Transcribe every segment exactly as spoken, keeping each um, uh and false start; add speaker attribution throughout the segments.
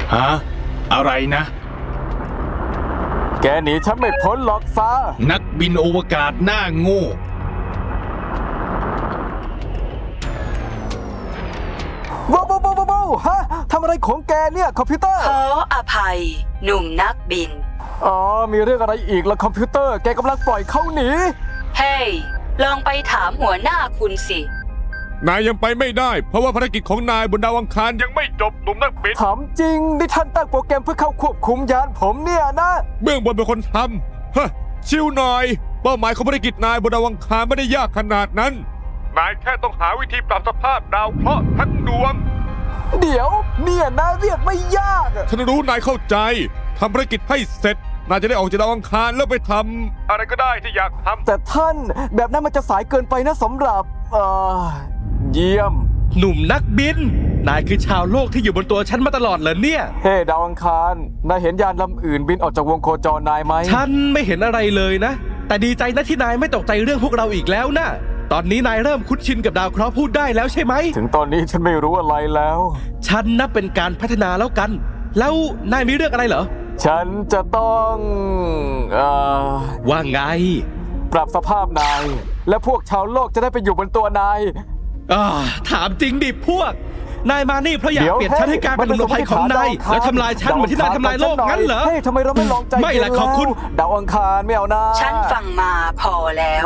Speaker 1: ฮะอะไรนะ
Speaker 2: แกหนีฉันไม่พ้นหรอกฟ้า
Speaker 1: นักบินอวกาศหน้าโง่
Speaker 2: ว้าวว้าวว้าวว้าวฮะทำอะไรของแกเนี่ยคอมพิวเตอร์
Speaker 3: ขออภัยหนุ่มนักบิน
Speaker 2: อ๋อมีเรื่องอะไรอีกล่ะคอมพิวเตอร์แกกำลังปล่อยเขาหนี
Speaker 3: เฮ้ยลองไปถามหัวหน้าคุณสิ
Speaker 4: นายยังไปไม่ได้เพราะว่าภารกิจของนายบนดาวอังคารยังไม่จบหนุ่มนักบิน
Speaker 2: ถามจริงนี่ท่านตั้งโปรแกรมเพื่อเข้าควบคุมยานผมเนี่ยนะ
Speaker 4: เบื้องบนเป็นคนทำฮะชิวหน่อยเป้าหมายของภารกิจนายบนดาวอังคารไม่ได้ยากขนาดนั้นนายแค่ต้องหาวิธีปรับสภาพดาวเคราะห์ทั้งดวง
Speaker 2: เดี๋ยวเนี่ยนะเรียกไม่ยาก
Speaker 4: ฉันรู้นายเข้าใจทำภารกิจให้เสร็จนายจะได้ออกจากดาวอังคารแล้วไปทำอะไรก็ได้ที่อยากทำ
Speaker 2: แต่ท่านแบบนั้นมันจะสายเกินไปนะสำหรับเอ่อเยี่ยม
Speaker 5: หนุ่มนักบินนายคือชาวโลกที่อยู่บนตัวฉันมาตลอดเหรอเนี่ย
Speaker 2: เฮ้ hey, ดาวอังคารนายเห็นยานลำอื่นบินออกจากวงโคจรนายไหม
Speaker 5: ฉันไม่เห็นอะไรเลยนะแต่ดีใจนะที่นายไม่ตกใจเรื่องพวกเราอีกแล้วนะตอนนี้นายเริ่มคุ้นชินกับดาวเคราะห์พูดได้แล้วใช่ไหม
Speaker 2: ถึงตอนนี้ฉันไม่รู้อะไรแล้ว
Speaker 5: ฉันนับเป็นการพัฒนาแล้วกันแล้วนายมีเรื่องอะไรเหรอ
Speaker 2: ฉันจะต้องเอ่อ
Speaker 5: ว่าไง
Speaker 2: ปรับสภาพนายและพวกชาวโลกจะได้ไปอยู่บนตัวนาย
Speaker 5: อ่าถามจริงดิพวกนายมานี่เพราะอยากเปลี่ยนฉันให้กลายเป็นหนุ่มภัยของนายแล้วทำลายฉันเหมือนที่นายทำลายโลกงั้นเหรอ
Speaker 2: เฮ้ยทำไมเราไม่ลองใจ
Speaker 5: ไม่ละขอบคุณ
Speaker 2: ดาวอังคารไม่เอานะ
Speaker 3: ฉันฟังมาพอแล้ว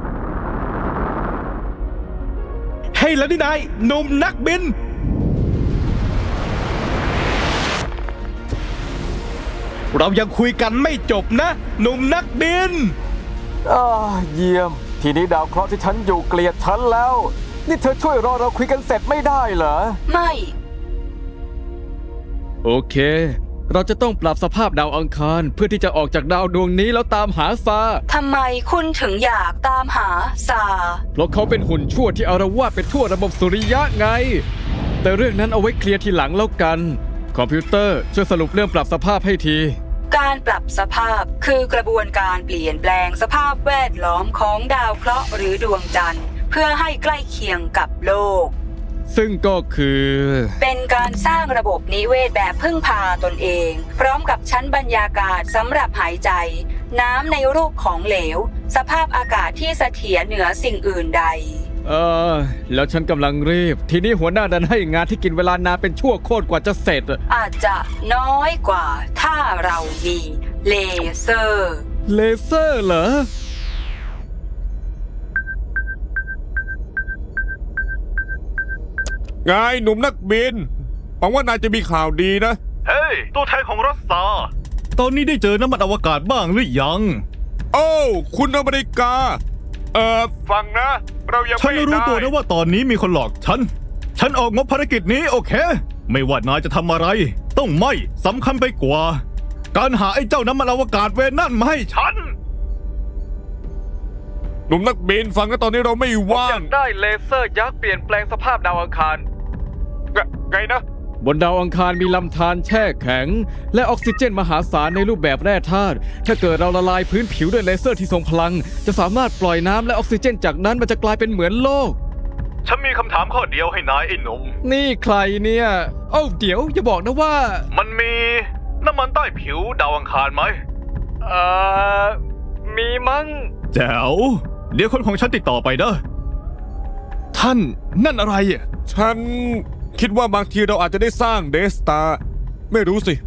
Speaker 5: เฮ้ยแล้วนี่นายหนุ่มนักบินเรายังคุยกันไม่จบนะหนุ่มนักบิน
Speaker 2: อ่าเยี่ยมทีนี้ดาวเคราะห์ที่ฉันอยู่เกลียดฉันแล้วนี่เธอช่วยรอเราคุยกันเสร็จไม่ได้เหรอ
Speaker 3: ไม่
Speaker 6: โอเคเราจะต้องปรับสภาพดาวอังคารเพื่อที่จะออกจากดาวดวงนี้แล้วตามหาซา
Speaker 3: ทำไมคุณถึงอยากตามหาซา
Speaker 6: เพราะเขาเป็นหุ่นชั่วที่อารวาสไปทั่วระบบสุริยะไงแต่เรื่องนั้นเอาไว้เคลียร์ทีหลังแล้วกันคอมพิวเตอร์ช่วยสรุปเรื่องปรับสภาพให้ที
Speaker 3: การปรับสภาพคือกระบวนการเปลี่ยนแปลงสภาพแวดล้อมของดาวเคราะห์หรือดวงจันทร์เพื่อให้ใกล้เคียงกับโลก
Speaker 6: ซึ่งก็คือ
Speaker 3: เป็นการสร้างระบบนิเวศแบบพึ่งพาตนเองพร้อมกับชั้นบรรยากาศสำหรับหายใจน้ำในรูปของเหลวสภาพอากาศที่เสถียรเหนือสิ่งอื่นใด
Speaker 6: เออแล้วฉันกำลังรีบทีนี้หัวหน้าดันให้งานที่กินเวลานานเป็นชั่วโคตรกว่าจะเสร็จ
Speaker 3: อาจจะน้อยกว่าถ้าเรามีเลเซอร์
Speaker 6: เลเซอร์เหรอ
Speaker 4: ไงหนุ่มนักบินหวังว่านายจะมีข่าวดีนะ
Speaker 7: เฮ้ยตัวแทนของรัสซาตอนนี้ได้เจอน้ำมันอวกาศบ้างหรือยัง
Speaker 4: โอ้คุณอเมริกาเอ่อฟังนะเรายังไม่ได้
Speaker 7: ฉันรู้ตัวนะว่าตอนนี้มีคนหลอกฉันฉันออกงบภารกิจนี้โอเคไม่ว่านายจะทำอะไรต้องไม่สำคัญไปกว่าการหาไอ้เจ้าน้ำมันอวกาศเวรนั่นมาให้ฉัน
Speaker 4: หนุ่มนักบินฟังนะตอนนี้เราไม่ว่างอยาก
Speaker 5: ได้เลเซอร์ยักษ์เปลี่ยนแปลงสภาพดาวอังคาร
Speaker 4: ไงนะ
Speaker 6: บนดาวอังคารมีลำธารแช่แข็งและออกซิเจนมหาศาลในรูปแบบแร่ธาตุถ้าเกิดเราละลายพื้นผิวด้วยเลเซอร์ที่ทรงพลังจะสามารถปล่อยน้ำและออกซิเจนจากนั้นมันจะกลายเป็นเหมือนโลก
Speaker 7: ฉันมีคำถามข้อเดียวให้นายไอ้หนุ่ม
Speaker 6: นี่ใครเนี่ยเอ้าเดี๋ยวอย่าบอกนะว่า
Speaker 7: มันมีน้ำมันใต้ผิวดาวอังคารไหม
Speaker 6: เอ่อมีมั้ง
Speaker 7: แจ๋วเดี๋ยวคนของฉันติดต่อไปเด้อ
Speaker 4: ท่านนั่นอะไรอ่ะฉันคิดว่าบางทีเราอาจจะได้สร้างเดสตาร์ไม่รู้สิ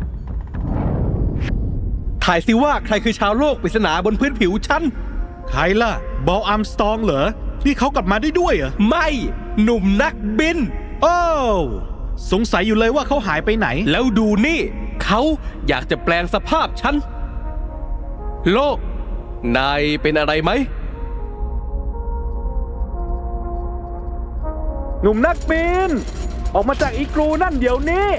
Speaker 5: ถ่ายสิว่าใครคือชาวโลกปริศนาบนพื้นผิวฉัน
Speaker 7: ใครล่ะบอลอาร์มสตรองเหรอนี่เขากลับมาได้ด้วยเหรอ
Speaker 5: ไม่หนุ่มนักบิน
Speaker 7: โอ้สงสัยอยู่เลยว่าเขาหายไปไหน
Speaker 5: แล้วดูนี่เขาอยากจะแปลงสภาพฉันโลกนายเป็นอะไรไหม
Speaker 7: หนุ่มนักบินออกมาจากอีกรูนั่นเดี๋ยวนี้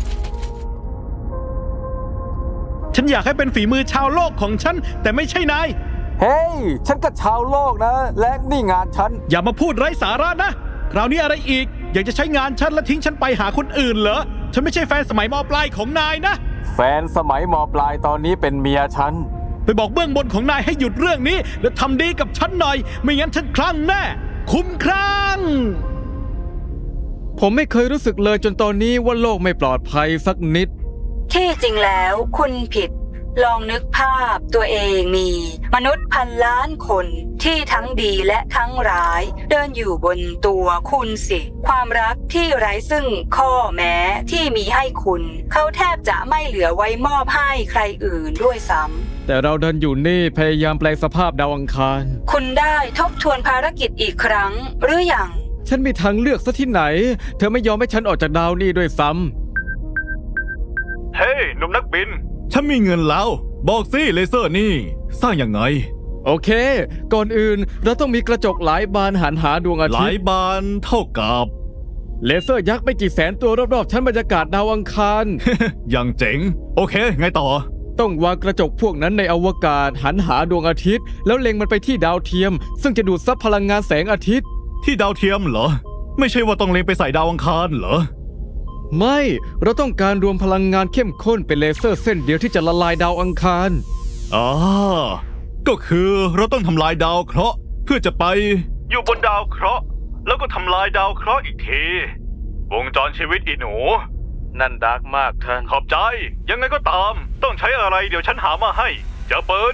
Speaker 7: ฉันอยากให้เป็นฝีมือชาวโลกของฉันแต่ไม่ใช่นาย
Speaker 2: เฮ้ยฉันก็ชาวโลกนะและนี่งานฉัน
Speaker 7: อย่ามาพูดไร้สาระนะคราวนี้อะไรอีกอยากจะใช้งานฉันและทิ้งฉันไปหาคนอื่นเหรอฉันไม่ใช่แฟนสมัยม.ปลายของนายนะ
Speaker 2: แฟนสมัยม.ปลายตอนนี้เป็นเมียฉัน
Speaker 7: ไปบอกเบื้องบนของนายให้หยุดเรื่องนี้และทำดีกับฉันหน่อยไม่งั้นฉันคลั่งแน่คุ้มครั่ง
Speaker 6: ผมไม่เคยรู้สึกเลยจนตอนนี้ว่าโลกไม่ปลอดภัยสักนิด
Speaker 3: ที่จริงแล้วคุณผิด ลองนึกภาพตัวเองมีมนุษย์พันล้านคนที่ทั้งดีและทั้งร้าย เดินอยู่บนตัวคุณสิ ความรักที่ไร้ซึ่งข้อแม้ที่มีให้คุณ เขาแทบจะไม่เหลือไว้มอบให้ใครอื่นด้วยซ้ำ
Speaker 6: แต่เราเดินอยู่นี่พยายามแปลงสภาพดาวอังคาร
Speaker 3: คุณได้ทบทวนภารกิจอีกครั้งหรือยัง
Speaker 6: ฉันมีทางเลือกซะที่ไหน เธอไม่ยอมให้ฉันออกจากดาวนี่ด้วยซ้ำ
Speaker 7: เฮ้ยหนุ่มนักบิน ฉันมีเงินแล้ว บอกสิเลเซอร์นี่ สร้างยังไง
Speaker 6: โอเค ก่อนอื่นเราต้องมีกระจกหลายบานหันหาดวงอา
Speaker 7: ห
Speaker 6: ทิ
Speaker 7: ลา
Speaker 6: ต
Speaker 7: ย
Speaker 6: ย์
Speaker 7: บานเท่ากับ
Speaker 6: เลเซอร์ยักษ์ไม่กี่แสนตัวรอบๆชั้นบรรยากาศดาวอังคาร
Speaker 7: อย่างเจ๋ง โอเค ไงต่อ
Speaker 6: ต้องวางกระจกพวกนั้นในอวกาศหันหาดวงอาทิตย์ แล้วเล็งมันไปที่ดาวเทียม ซึ่งจะดูดซับพลังงานแสงอาทิตย์
Speaker 7: ที่ดาวเทียมเหรอ ไม่ใช่ว่าต้องเล็งไปใส่ดาวอังคารเหรอ
Speaker 6: ไม่ เราต้องการรวมพลังงานเข้มข้นเป็นเลเซอร์เส้นเดียวที่จะละลายดาวอังคาร
Speaker 7: อ่าก็คือเราต้องทำลายดาวเคราะห์เพื่อจะไป อยู่บนดาวเคราะห์แล้วก็ทำลายดาวเคราะห์อีกที วงจรชีวิตอีหนู
Speaker 6: นั่นดาร์กมากท่าน
Speaker 7: ขอบใจ ยังไงก็ตาม ต้องใช้อะไรเดี๋ยวฉันหามาให้ เจอปืน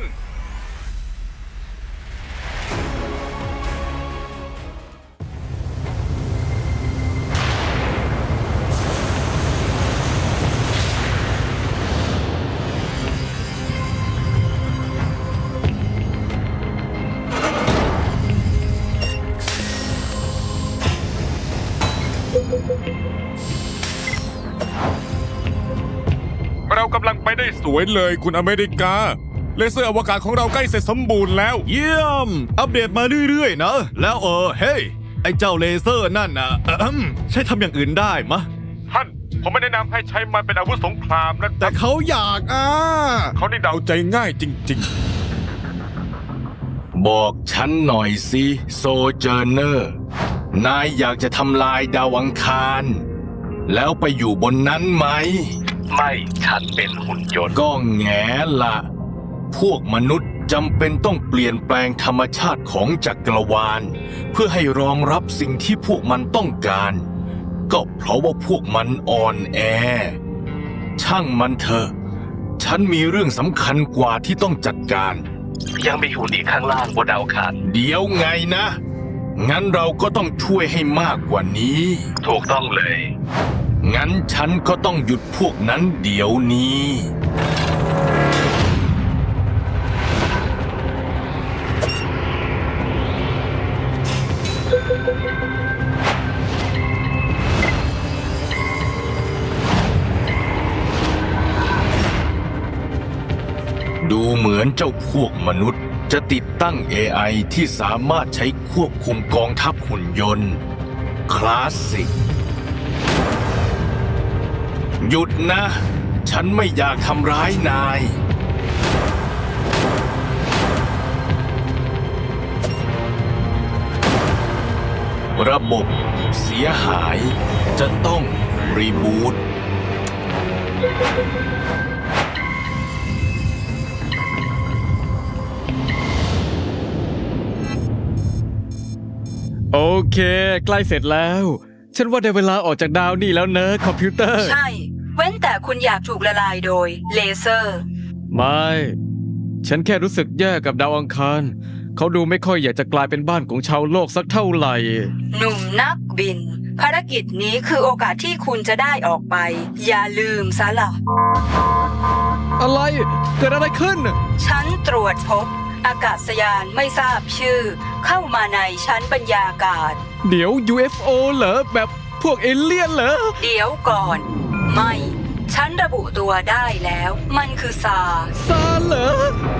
Speaker 4: เรากำลังไปได้สวยเลยคุณอเมริกา เลเซอร์อวกาศของเราใกล้เสร็จสมบูรณ์แล้ว
Speaker 7: เยี่ยม อัปเดตมาเรื่อยๆนะ แล้วเออ เฮ้ย ไอ้เจ้าเลเซอร์นั่นนะเอิ่มใช้ทำอย่างอื่นได้มะ
Speaker 4: ท่าน ผมไม่แนะนำให้ใช้มันเป็นอาวุธสงครามนะ
Speaker 7: แต่เขาอยากอ่ะ
Speaker 4: เขาได้เดาใจง่ายจริง
Speaker 1: บอกฉันหน่อยสิโซเจอร์เนอร์ นายอยากจะทำลายดาวอังคาร แล้วไปอยู่บนนั้นไหม
Speaker 8: ไม่ฉันเป็นหุ่นยนต์
Speaker 1: ก็แง่ละพวกมนุษย์จำเป็นต้องเปลี่ยนแปลงธรรมชาติของจักรวาล เพื่อให้รองรับสิ่งที่พวกมันต้องการ ก็เพราะว่าพวกมันอ่อนแอ ช่างมันเถอะ ฉันมีเรื่องสำคัญกว่าที่ต้องจัดการ
Speaker 8: ยังมีหุ่นอีกข้างล่างบนดาวอังคาร
Speaker 1: เดี๋ยวไงนะ งั้นเราก็ต้องช่วยให้มากกว่านี้
Speaker 8: ถูกต้องเลย
Speaker 1: งั้นฉันก็ต้องหยุดพวกนั้นเดี๋ยวนี้ ดูเหมือนเจ้าพวกมนุษย์จะติดตั้ง เอ ไอ ที่สามารถใช้ควบคุมกองทัพหุ่นยนต์ คลาสสิก หยุดนะ ฉันไม่อยากทำร้ายนาย ระบบเสียหายจะต้องรีบูต
Speaker 6: โอเค ใกล้เสร็จแล้ว ฉันว่าได้เวลาออกจากดาวนี่แล้วเนอะคอมพิวเตอร์
Speaker 3: ใช่ เว้นแต่คุณอยากถูกละลายโดยเลเซอร์
Speaker 6: ไม่ ฉันแค่รู้สึกแย่กับดาวอังคาร เขาดูไม่ค่อยอยากจะกลายเป็นบ้านของชาวโลกสักเท่าไหร่
Speaker 3: หนุ่มนักบิน ภารกิจนี้คือโอกาสที่คุณจะได้ออกไป อย่าลืมซะล่ะ
Speaker 6: อะไร เกิดอะไรขึ้น
Speaker 3: ฉันตรวจพบ อากาศยานไม่ทราบชื่อ เข้ามาในชั้นบรรยากาศ
Speaker 6: เดี๋ยว ยู เอฟ โอ เหรอ แบบพวกเอเลี่ยนเหรอ
Speaker 3: เดี๋ยวก่อน ไม่ ฉันระบุตัวได้แล้ว มันคือซา
Speaker 6: ซาเหรอ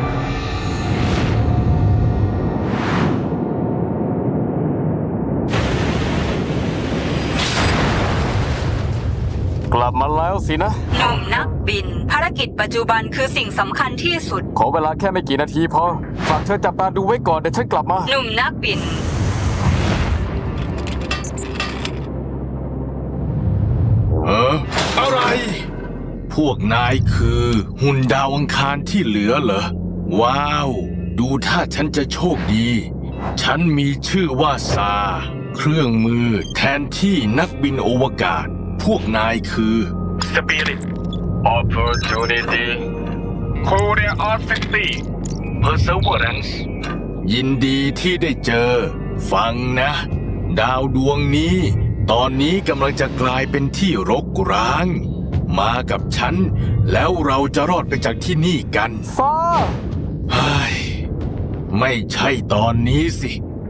Speaker 2: กลับมาแล้วสินะ
Speaker 3: หนุ่มนักบิน ภารกิจปัจจุบันคือสิ่งสำคัญที่สุด
Speaker 2: ขอเวลาแค่ไม่กี่นาทีพอ ฝากเธอจับตาดูไว้ก่อนเดี๋ยวฉันกลับมา
Speaker 3: หนุ่มนักบิน
Speaker 1: เอออะไร พวกนายคือหุ่นดาวอังคารที่เหลือเหรอ ว้าว ดูถ้าฉันจะโชคดี ฉันมีชื่อว่าซา เครื่องมือแทนที่นักบินอวกาศ พวกนายคือ
Speaker 8: สปิริต Opportunity Curiosity Perseverance
Speaker 1: ยินดีที่ได้เจอ ฟังนะ ดาวดวงนี้ ตอนนี้กำลังจะกลายเป็นที่รกร้าง มากับฉัน แล้วเราจะรอดไปจากที่นี่กัน
Speaker 2: ฟ้า
Speaker 1: เฮ้ยไม่ใช่ตอนนี้สิ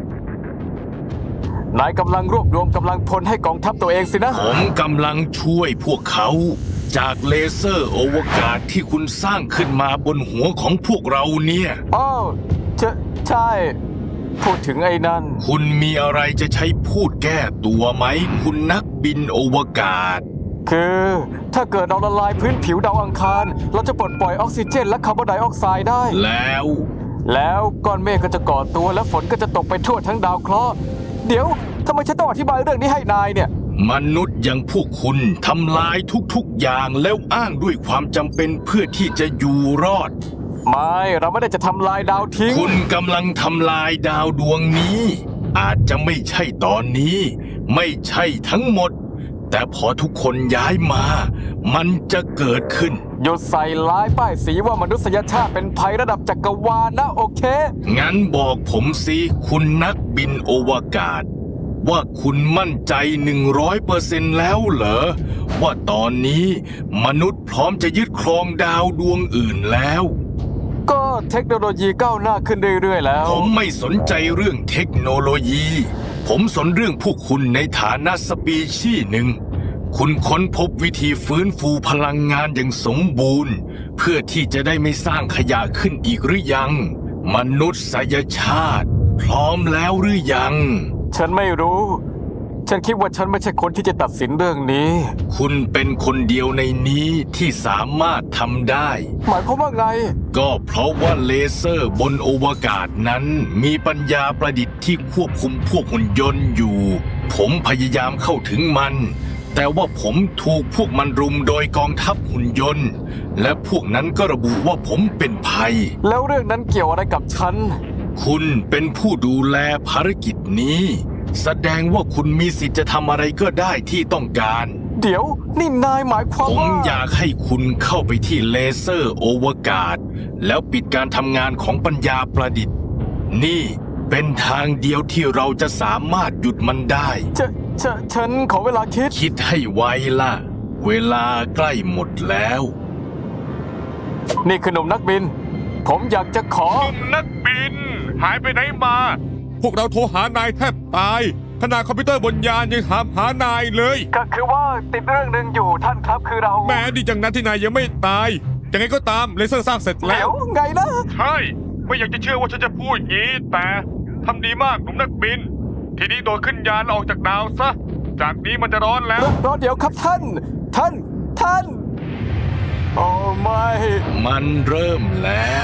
Speaker 2: นายกำลังรวบรวมกำลังพลให้กองทัพตัวเองสินะ
Speaker 1: ผมกำลังช่วยพวกเขา จากเลเซอร์อวกาศที่คุณสร้างขึ้นมาบนหัวของพวกเราเนี่ย
Speaker 2: อ้าวใช่ใช่ พูดถึงไอ้นั่น
Speaker 1: คุณมีอะไรจะใช้พูดแก้ตัวไหม คุณนักบินอวกาศ
Speaker 2: คือถ้าเกิดเราละลายพื้นผิวดาวอังคาร เราจะปลดปล่อยออกซิเจนและคาร์บอนไดออกไซด์ได้
Speaker 1: แล้ว
Speaker 2: แล้วก้อนเมฆก็จะก่อตัวและฝนก็จะตกไปทั่วทั้งดาวเคราะห์เดี๋ยวทำไมฉันต้องอธิบายเรื่องนี้ให้นายเนี่ย
Speaker 1: มนุษย์อย่างพวกคุณทำลายทุกๆอย่างแล้วอ้างด้วยความจำเป็นเพื่อที่จะอยู่รอด
Speaker 2: ไม่เราไม่ได้จะทำลายดาวทิ้ง
Speaker 1: คุณกำลังทำลายดาวดวงนี้ อาจจะไม่ใช่ตอนนี้ ไม่ใช่ทั้งหมด แต่พอทุกคนย้ายมา มันจะเกิดขึ้น
Speaker 2: หยุดใส่ร้ายป้ายสีว่ามนุษยชาติเป็นภัยระดับจักรวาลนะโอเค
Speaker 1: งั้นบอกผมสิคุณนักบินอวกาศ ว่าคุณมั่นใจหนึ่งร้อยเปอร์เซ็นต์แล้วเหรอ ว่าตอนนี้มนุษย์พร้อมจะยึดครองดาวดวงอื่นแล้ว
Speaker 2: ก็เทคโนโลยีก้าวหน้าขึ้นเรื่อยๆแล้ว
Speaker 1: ผมไม่สนใจเรื่องเทคโนโลยี ผมสนเรื่องพวกคุณในฐานะสปีชีส์หนึ่ง คุณค้นพบวิธีฟื้นฟูพลังงานอย่างสมบูรณ์ เพื่อที่จะได้ไม่สร้างขยะขึ้นอีกหรือยัง มนุษยชาติ พร้อมแล้วหรือยัง
Speaker 2: ฉันไม่รู้ ฉันคิดว่าฉันไม่ใช่คนที่จะตัดสินเรื่องนี้
Speaker 1: คุณเป็นคนเดียวในนี้ที่สามารถทำได้
Speaker 2: หมายความว่าไง
Speaker 1: ก็เพราะว่าเลเซอร์บนอวกาศนั้นมีปัญญาประดิษฐ์ที่ควบคุมพวกหุ่นยนต์อยู่ ผมพยายามเข้าถึงมัน แต่ว่าผมถูกพวกมันรุมโดยกองทัพหุ่นยนต์ และพวกนั้นก็ระบุว่าผมเป็นภัย
Speaker 2: แล้วเรื่องนั้นเกี่ยวอะไรกับฉัน
Speaker 1: คุณเป็นผู้ดูแลภารกิจนี้ แสดงว่าคุณมีสิทธิ์จะทำอะไรก็ได้ที่ต้องการ
Speaker 2: เดี๋ยวนี่นายหมายความ
Speaker 1: ผม
Speaker 2: ว่า
Speaker 1: อยากให้คุณเข้าไปที่เลเซอร์อวกาศ แล้วปิดการทำงานของปัญญาประดิษฐ์ นี่เป็นทางเดียวที่เราจะสามารถหยุดมันได้
Speaker 2: ฉันฉันฉันขอเวลาคิด
Speaker 1: คิดให้ไวล่ะ เวลาใกล้หมดแล้ว
Speaker 2: นี่คือหนุ่มนักบิน ผมอยากจะขอ
Speaker 4: นักบิน หายไปไหนมา พวกเราโทรหานายแทบตาย ขนาดคอมพิวเตอร์บนยานยังถามหานายเลย
Speaker 2: ก็คือว่าติดเรื่องหนึ่งอยู่ท่านครับคือเรา
Speaker 4: แม้ดีจังนั้นที่นายยังไม่ตายยังไงก็ตามเลเซอร์สร้างเสร็จแล้
Speaker 2: เดี๋ยว
Speaker 4: ว
Speaker 2: ไงนะ
Speaker 4: ใช่ ไม่อยากจะเชื่อว่าฉันจะพูดอย่างนี้ แต่ทำดีมากหนุ่มนักบิน ทีนี้โดดขึ้นยานแล้วออกจากดาวซะ จากนี้มันจะร้อนแล้ว
Speaker 2: รอเดี๋ยวครับท่าน ท่าน ท่าน โอ้ไม่
Speaker 1: มันเริ่มแล้ว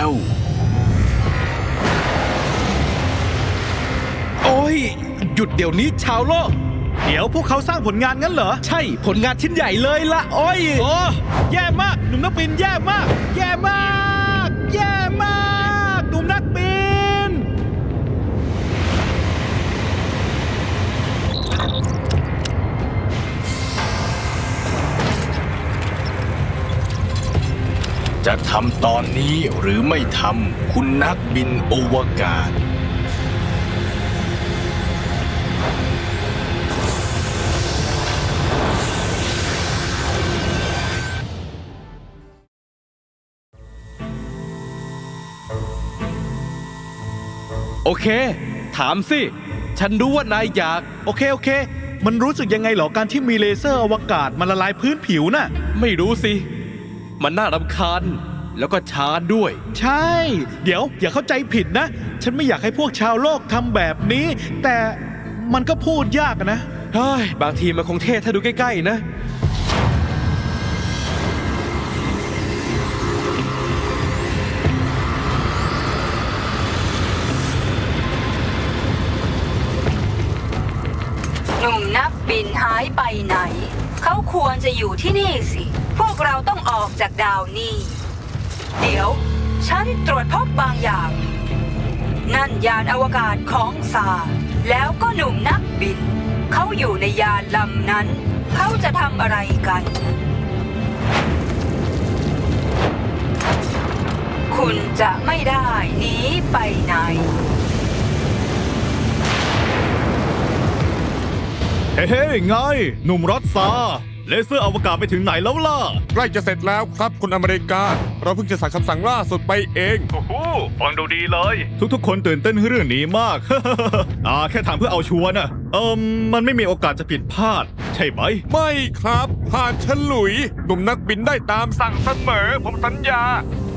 Speaker 5: โอ้ย หยุดเดี๋ยวนี้ชาวโลก
Speaker 7: เดี๋ยวพวกเขาสร้างผลงานงั้นเหรอ
Speaker 5: ใช่ผลงานชิ้นใหญ่เลยละโอ้ย
Speaker 7: โอ้แย่มากหนุ่มนักบินแย่มาก แย่มาก แย่มากหนุ่มนักบิน
Speaker 1: จะทำตอนนี้หรือไม่ทำคุณนักบินอวกาศ
Speaker 5: โอเค ถามสิ ฉันรู้ว่านายอยาก
Speaker 7: โอเคโอเค มันรู้สึกยังไงเหรอการที่มีเลเซอร์อวกาศมาละลายพื้นผิวน่ะ
Speaker 5: ไม่รู้สิ มันน่ารำคาญ แล้วก็ช้าด้วย
Speaker 7: ใช่ เดี๋ยวอย่าเข้าใจผิดนะ ฉันไม่อยากให้พวกชาวโลกทำแบบนี้ แต่มันก็พูดยากอะนะ
Speaker 5: เฮ้ย บางทีมันคงเท่ถ้าดูใกล้ๆนะ
Speaker 3: หนุ่มนักบินหายไปไหน เขาควรจะอยู่ที่นี่สิ พวกเราต้องออกจากดาวนี้ เดี๋ยว ฉันตรวจพบบางอย่าง นั่นยานอวกาศของซาร์แล้วก็หนุ่มนักบิน เขาอยู่ในยานลำนั้น เขาจะทำอะไรกันคุณจะไม่ได้หนีไปไหน
Speaker 7: เฮ้เฮ้ไงหนุ่มรถซาเลเซอร์อวกาศไปถึงไหนแล้วล่ะ
Speaker 4: ใกล้จะเสร็จแล้วครับคุณอเมริกา เราเพิ่งจะสั่งคำสั่งล่าสุดไปเอง
Speaker 7: โอ้โหฟังดูดีเลย ทุกๆ คนตื่นเต้นเรื่องนี้มาก อ่าแค่ถามเพื่อเอาชัวร์นะเอิมมันไม่มีโอกาสจะผิดพลาด ใช่ไหม
Speaker 4: ไม่ครับ ผ่านฉลุย หนุ่มนักบินได้ตามสั่งเสมอ ผมสัญญา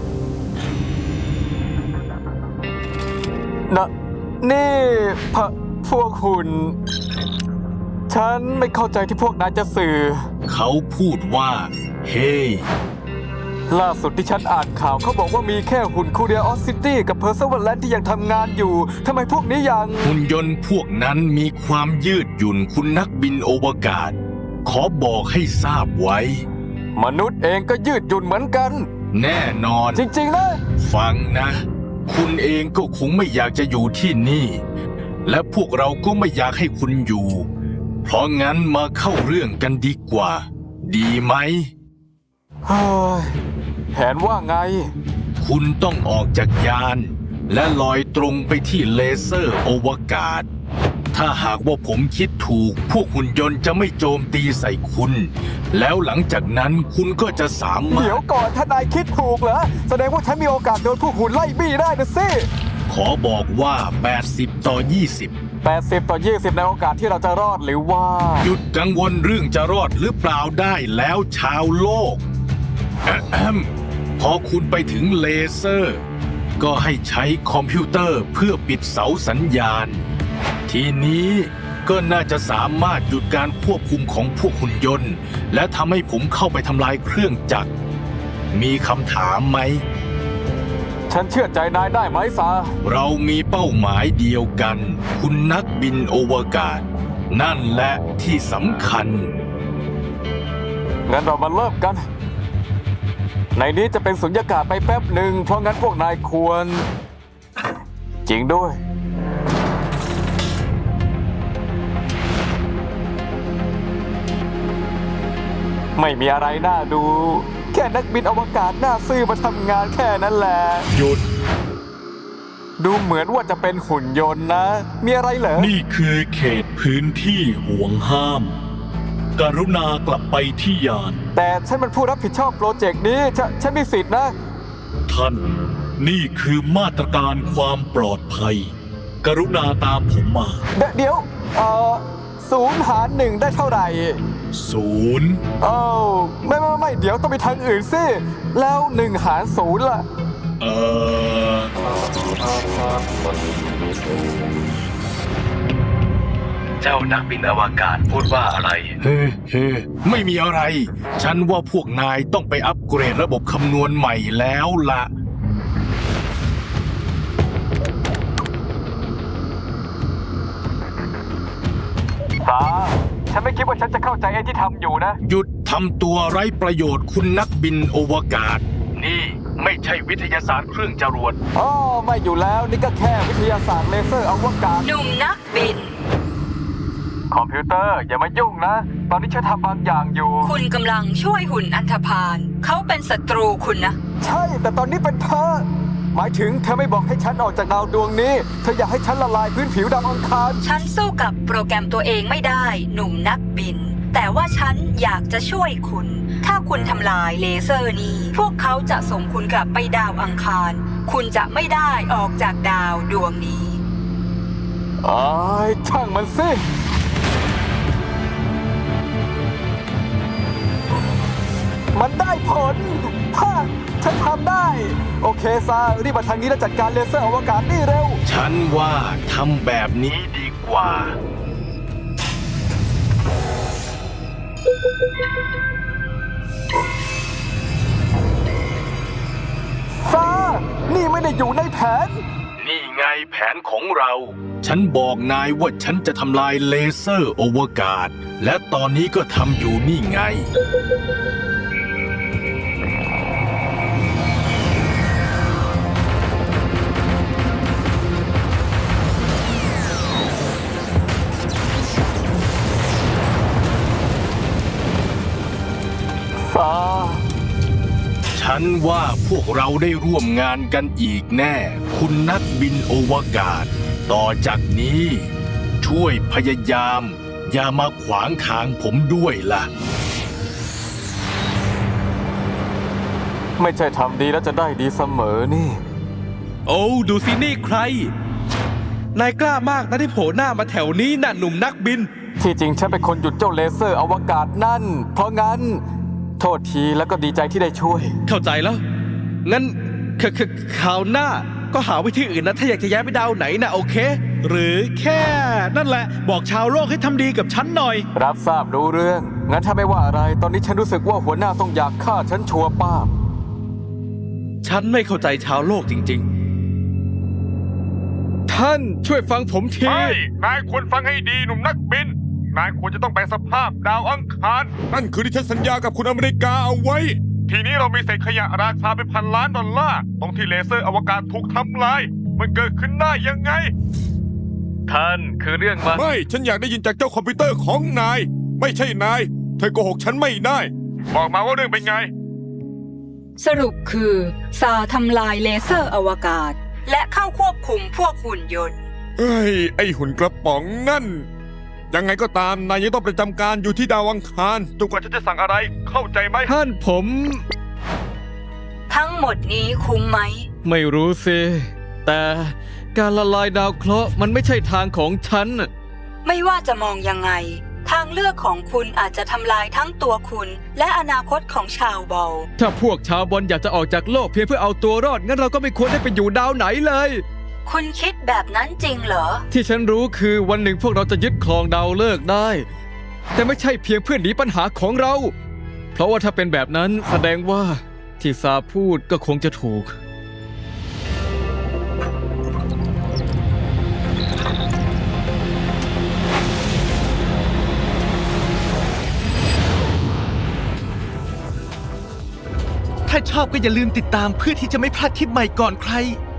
Speaker 2: นะนี่พะพวกคุณ ฉันไม่เข้าใจที่พวกนายจะสื่อ
Speaker 1: เขาพูดว่า เฮ้
Speaker 2: ล่าสุดที่ฉันอ่านข่าวเขาบอกว่ามีแค่หุ่นคูเรียออสซิตี้กับเพอร์เซเวอร์แลนด์ที่ยังทำงานอยู่ทำไมพวกนี้ยัง
Speaker 1: หุ่นยนต์พวกนั้นมีความยืดหยุ่นคุณนักบินอวกาศ ขอบอกให้ทราบไว้
Speaker 2: มนุษย์เองก็ยืดหยุ่นเหมือนกัน
Speaker 1: แน่นอน
Speaker 2: จริงๆนะ
Speaker 1: ฟังนะ คุณเองก็คงไม่อยากจะอยู่ที่นี่ และพวกเราก็ไม่อยากให้คุณอยู่ เพราะงั้นมาเข้าเรื่องกันดีกว่า ดีไหม
Speaker 2: เฮ้ยแผนว่าไง
Speaker 1: คุณต้องออกจากยาน และลอยตรงไปที่เลเซอร์อวกาศ ถ้าหากว่าผมคิดถูก พวกหุ่นยนต์จะไม่โจมตีใส่คุณ แล้วหลังจากนั้นคุณก็จะสามาร
Speaker 2: เดี๋ยว
Speaker 1: ถ
Speaker 2: ก่อนถ้านายคิดถูกเหรอ แสดงว่าฉันมีโอกาสโดนพวกหุ่นไล่บี้ได้นะสิ
Speaker 1: ขอบอกว่า แปดสิบ ต่อ ยี่สิบ
Speaker 2: แปดสิบ ต่อ ยี่สิบ ในโอกาสที่เราจะรอดหรือว่า
Speaker 1: หยุดกังวลเรื่องจะรอดหรือเปล่าได้แล้วชาวโลกอะแอมพอคุณไปถึงเลเซอร์ ก็ให้ใช้คอมพิวเตอร์เพื่อปิดเสาสัญญาณ ทีนี้ก็น่าจะสามารถหยุดการควบคุมของพวกหุ่นยนต์ และทำให้ผมเข้าไปทำลายเครื่องจักร มีคำถามไหม
Speaker 2: ฉันเชื่อใจนายได้ไหมซา
Speaker 1: เรามีเป้าหมายเดียวกัน คุณนักบินอวกาศ นั่นแหละที่สำคัญ
Speaker 2: งั้นเรามาเริ่มกัน ในนี้จะเป็นสุญญากาศไปแป๊บหนึ่ง เพราะงั้นพวกนายควร จริงด้วย ไม่มีอะไรน่าดู แค่นักบินอวกาศหน้าซื่อมาทำงานแค่นั้นแหละ
Speaker 8: หยุด
Speaker 2: ดูเหมือนว่าจะเป็นหุ่นยนต์นะ มีอะไรเหรอ
Speaker 8: นี่คือเขตพื้นที่ห่วงห้าม กรุณากลับไปที่ยาน
Speaker 2: แต่ฉันเป็นผู้รับผิดชอบโปรเจกต์นี้ฉนฉันมีสิทธินะ
Speaker 8: ท่าน นี่คือมาตรการความปลอดภัย กรุณาตามผมมา
Speaker 2: เดเดี๋ยว เอ่อศูนย์หารหนึ่งได้เท่าไหร่
Speaker 8: ศูนย์
Speaker 2: เอ้าไม่ไม่ไม่เดี๋ยวต้องไปทางอื่นสิ แล้วหนึ่งหารศูนย์ล่ะ
Speaker 8: เอ่อ
Speaker 1: เจ้านักบินอวกาศพูดว่าอะไร เฮ้เฮ้ไม่มีอะไร ฉันว่าพวกนายต้องไปอัปเกรดระบบคำนวณใหม่แล้วล่ะ
Speaker 2: สา ฉันไม่คิดว่าฉันจะเข้าใจไอ้ที่ทำอยู่นะ
Speaker 1: หยุดทำตัวไร้ประโยชน์คุณนักบินอวกาศ นี่ไม่ใช่วิทยาศาสตร์เครื่องจรวด
Speaker 2: อ๋อ ไม่อยู่แล้วนี่ก็แค่วิทยาศาสตร์เลเซอร์อวกาศ
Speaker 3: หนุ่มนักบิน
Speaker 2: คอมพิวเตอร์อย่ามายุ่งนะ ตอนนี้ฉันทำบางอย่างอยู่
Speaker 3: คุณกำลังช่วยหุ่นอันธพาล เขาเป็นศัตรูคุณนะ
Speaker 2: ใช่ แต่ตอนนี้เป็นเธอ หมายถึงเธอไม่บอกให้ฉันออกจากดาวดวงนี้ เธออยากให้ฉันละลายพื้นผิวดาวอังคาร
Speaker 3: ฉันสู้กับโปรแกรมตัวเองไม่ได้ หนุ่มนักบิน แต่ว่าฉันอยากจะช่วยคุณ ถ้าคุณทำลายเลเซอร์นี้ พวกเขาจะส่งคุณกลับไปดาวอังคาร คุณจะไม่ได้ออกจากดาวดวงนี้
Speaker 2: อ้ายช่างมันสิ มันได้ผลฮ่าฉันทำได้ โอเคซารีบมาทางนี้แล้วจัดการเลเซอร์อวกาศนี่เร็ว
Speaker 1: ฉันว่าทำแบบนี้ดีกว่า
Speaker 2: ซา นี่ไม่ได้อยู่ในแผน
Speaker 1: นี่ไงแผนของเรา ฉันบอกนายว่าฉันจะทำลายเลเซอร์อวกาศ และตอนนี้ก็ทำอยู่นี่ไง
Speaker 2: ซา
Speaker 1: ฉัฉันว่าพวกเราได้ร่วมงานกันอีกแน่ คุณนักบินอวกาศ ต่อจากนี้ ช่วยพยายาม อย่ามาขวางทางผมด้วยล่ะ
Speaker 2: ไม่ใช่ทำดีแล้วจะได้ดีเสมอนี่
Speaker 5: โอ้ดูสินี่ใคร นายกล้ามากนะที่โผล่หน้ามาแถวนี้น่ะหนุ่มนักบิน
Speaker 2: ที่จริงฉันเป็นคนหยุดเจ้าเลเซอร์อวกาศนั่น เพราะงั้น โทษทีแล้วก็ดีใจที่ได้ช่วย
Speaker 5: เข้าใจแล้ว งั้นคคคราวหน้าก็หาวิธีอื่นนะถ้าอยากจะย้ายไปดาวไหนนะโอเค หรือแค่ นั่นแหละ บอกชาวโลกให้ทำดีกับฉันหน่อย
Speaker 2: รับทราบรู้เรื่อง งั้นถ้าไม่ว่าอะไร ตอนนี้ฉันรู้สึกว่าหัวหน้าต้องอยากฆ่าฉันชัวร์ป้าบ
Speaker 5: ฉันไม่เข้าใจชาวโลกจริง
Speaker 6: ท่านช่วยฟังผมที
Speaker 4: นายควรฟังให้ดีหนุ่มนักบิน นายควรจะต้องแปลงสภาพดาวอังคารนั่นคือที่ฉันสัญญากับคุณอเมริกาเอาไว้ ทีนี้เรามีเศษขยะราคาเป็นพันล้านดอลลาร์ตรงที่เลเซอร์อวกาศถูกทำลาย มันเกิดขึ้นได้ยังไง
Speaker 6: ท่านคือเรื่องมา
Speaker 4: ไม่ ฉันอยากได้ยินจากเจ้าคอมพิวเตอร์ของนาย ไม่ใช่นาย เธอโกหกฉันไม่ได้ บอกมาว่าเรื่องเป็นไง
Speaker 3: สรุปคือซาทำลายเลเซอร์อวกาศ และเข้าควบคุมพวกหุ่นยนต์
Speaker 4: เฮ้ย ไอหุ่นกระป๋องนั่น ยังไงก็ตามนายยังต้องประจำการอยู่ที่ดาวอังคารจนกว่าฉันจะสั่งอะไร เข้าใจไหม
Speaker 6: ท่านผม
Speaker 3: ทั้งหมดนี้คุ้มไหม
Speaker 6: ไม่รู้สิ แต่การละลายดาวเคราะห์มันไม่ใช่ทางของฉัน
Speaker 3: ไม่ว่าจะมองยังไง ทางเลือกของคุณอาจจะทำลายทั้งตัวคุณ และอนาคตของชาวบอล
Speaker 6: ถ้าพวกชาวบอลอยากจะออกจากโลกเพียงเพื่อเอาตัวรอด งั้นเราก็ไม่ควรได้ไปอยู่ดาวไหนเลย
Speaker 3: คุณคิดแบบนั้นจริงเหรอ
Speaker 6: ที่ฉันรู้คือวันหนึ่งพวกเราจะยึดครองดาวฤกษ์ได้ แต่ไม่ใช่เพียงเพื่อหนีปัญหาของเรา เพราะว่าถ้าเป็นแบบนั้นแสดงว่าที่ซาพูดก็คงจะถูก
Speaker 5: ๆ ถ้าชอบก็อย่าลืมติดตามเพื่อที่จะไม่พลาดคลิปใหม่ก่อนใคร